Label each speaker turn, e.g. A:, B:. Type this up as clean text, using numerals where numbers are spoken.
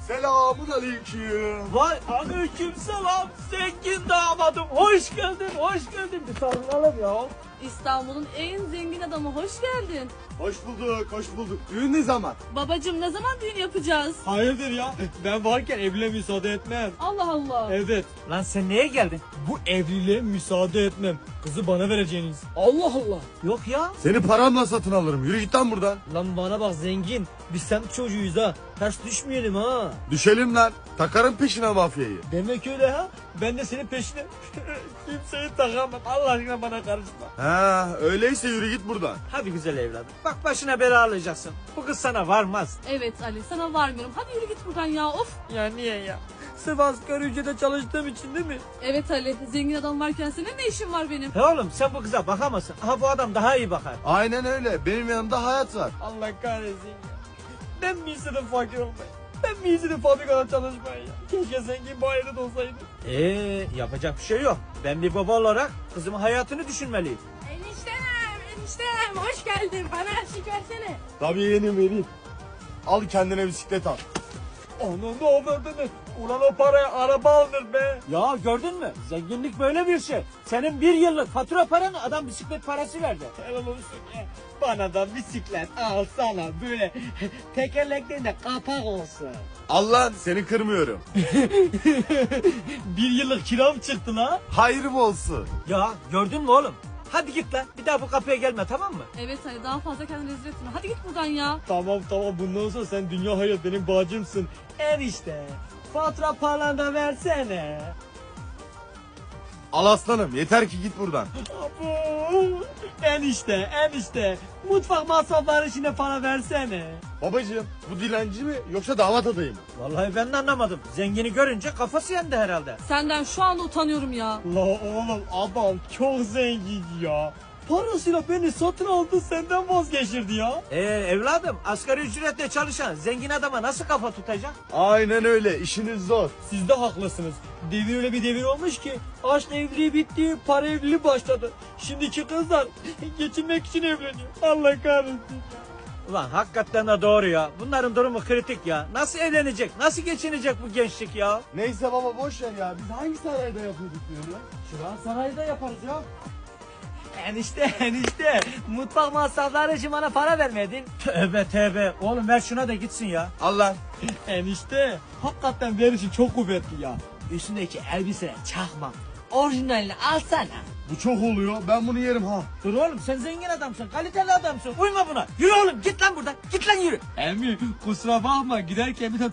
A: Selamun aleyküm.
B: Vay aleykümselam zengin damadım. Hoş geldin, hoş geldin. Bir sarılalım ya.
C: İstanbul'un en zengin adamı, hoş geldin.
A: Hoş bulduk, hoş bulduk. Düğün ne zaman?
C: Babacım, ne zaman düğün yapacağız?
B: Hayırdır ya? Ben varken evliliğe müsaade etmem.
C: Allah Allah.
B: Evet. Lan sen neye geldin? Bu evliliğe müsaade etmem. Kızı bana vereceğiniz. Allah Allah. Yok ya.
A: Seni paramla satın alırım. Yürü git lan buradan.
B: Lan bana bak zengin. Biz semt çocuğuyuz ha. Ters düşmeyelim ha.
A: Düşelim lan. Takarım peşine mafyayı.
B: Demek öyle ha. Ben de senin peşine kimseyi takamam. Allah aşkına bana karışma.
A: Ha, öyleyse yürü git buradan.
B: Hadi güzel evladım. Bak başına bela alacaksın. Bu kız sana varmaz.
C: Evet Ali, sana varmıyorum. Hadi yürü git buradan ya, of.
B: Ya niye ya? Sırf asgari ücrete çalıştığım için değil mi?
C: Evet Ali, zengin adam varken senin ne işin var benim?
B: He oğlum sen bu kıza bakamazsın. Aha bu adam daha iyi bakar.
A: Aynen öyle. Benim yanımda hayat var.
B: Allah kahretsin ya. Ben mi istedim fakir olmayı? Ben mi istedim fabrikada çalışmayı ya? Keşke zengin bu ailede olsaydı. Yapacak bir şey yok. Ben bir baba olarak kızımın hayatını düşünmeliyim.
C: Eniştem, hoş geldin. Bana eşlik versene.
A: Tabii yeğenim vereyim. Al kendine bisiklet al.
B: Onun da avradını. Ulan o paraya araba alınır be. Ya gördün mü? Zenginlik böyle bir şey. Senin bir yıllık fatura paranı adam bisiklet parası verdi. Helal olsun ya. Bana da bisiklet alsana böyle tekerleklerinde kapak olsun.
A: Al lan, seni kırmıyorum.
B: Bir yıllık kiram çıktı la.
A: Hayrım olsun.
B: Ya gördün mü oğlum? Hadi git lan. Bir daha bu kapıya gelme tamam mı?
C: Evet Ali, daha fazla kendini rezil etme. Hadi git buradan ya.
B: Tamam bundan sonra sen dünya hayat benim bacımsın. Enişte fatura paranı da versene.
A: Al aslanım, yeter ki git buradan.
B: Abu. Enişte mutfak masrafları içine para versene.
A: Babacığım, bu dilenci mi yoksa damat adayı mı?
B: Vallahi ben de anlamadım. Zengini görünce kafası yendi herhalde.
C: Senden şu anda utanıyorum ya.
B: La oğlum adam çok zengin ya. Parasıyla beni satın aldı senden vazgeçirdi ya. Evladım asgari ücretle çalışan zengin adama nasıl kafa tutacak?
A: Aynen öyle, işiniz zor.
B: Siz de haklısınız. Devir öyle bir devir olmuş ki aşk evliliği bitti, para evliliği başladı. Şimdiki kızlar geçinmek için evleniyor. Allah kahretsin. Ulan hakikaten de doğru ya. Bunların durumu kritik ya. Nasıl evlenecek? Nasıl geçinecek bu gençlik ya?
A: Neyse baba boş ver ya. Biz hangi sarayda yapıyorduk diyorum?
B: Şuran sarayda yaparız ya. Enişte mutfak masrafları için bana para vermedin. Tövbe oğlum ver şuna da gitsin ya.
A: Al lan.
B: Enişte hakikaten verişin çok kuvvetli ya. Üstündeki elbise çakma. Orijinalini alsana.
A: Bu çok oluyor. Ben bunu yerim ha.
B: Dur oğlum sen zengin adamsın, kaliteli adamsın. Uyma buna. Yürü oğlum git lan buradan. Git lan yürü. Emmi kusura bakma giderken bir